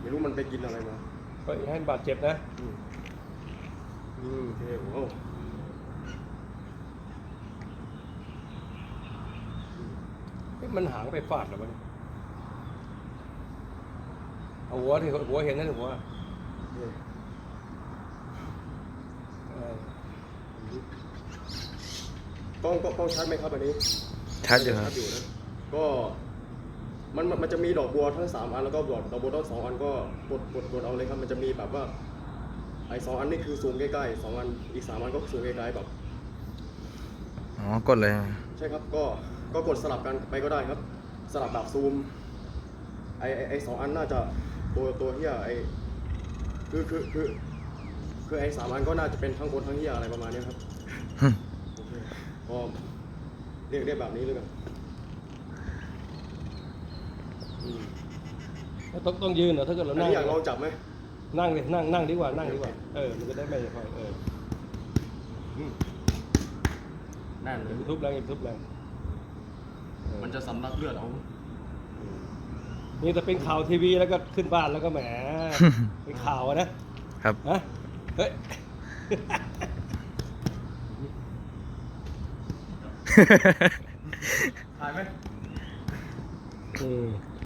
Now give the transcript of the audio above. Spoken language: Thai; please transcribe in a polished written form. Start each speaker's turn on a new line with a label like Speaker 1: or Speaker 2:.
Speaker 1: ไม่รู้มันไปกินอะไรมา
Speaker 2: ก็ให้บาดเจ็บนะ
Speaker 1: โอเคโอ้
Speaker 2: มันหางไปฟาดหรอมันเอาหัวที่หัวเห็นนั่นหัว
Speaker 1: ต้องชัดไหมครับอันนี้
Speaker 3: ชัดอยู่ครับ
Speaker 1: ชัดอยู่นะก็มันจะมีดอกบัวทั้ง3อันแล้วก็ดอกบัวทั้ง2อันก็กดเอาเลยครับมันจะมีแบบว่าไอ้2อันนี่คือซูมใกล้ๆ2อันอีก3อันก็ซูมใกล้ๆแบบ
Speaker 3: อ๋อกดเลย
Speaker 1: ใช่ครับก็กดสลับกันไปก็ได้ครับ สลับแบบซูมไอ้2อันน่าจะตัวเฮียไอ้คือไอ้3อันก็น่าจะเป็นทั้งคนทั้งเฮียอะไรประมาณนี้ครับโอเคก็เรียกแบบนี้เลยกัน
Speaker 2: ต้องยืนเหรอถ้าเกิดเรา
Speaker 1: อัน
Speaker 2: นั่ง
Speaker 1: นี้อยากลองจับไหม
Speaker 2: นั่งเลยนั่งดีกว่านั่งดีกว่ามันจะได้ไม่ค่อย
Speaker 1: นั่นเลย
Speaker 2: ทุบแรงทุบแรง
Speaker 1: มันจะสำลักเลือดเอา
Speaker 2: นี่แต่เป็นข่าวทีวีแล้วก็ขึ้นบ้านแล้วก็แหมเป็นข่าวนะครับ ฮะเฮ้ย
Speaker 1: ถ่ายไหม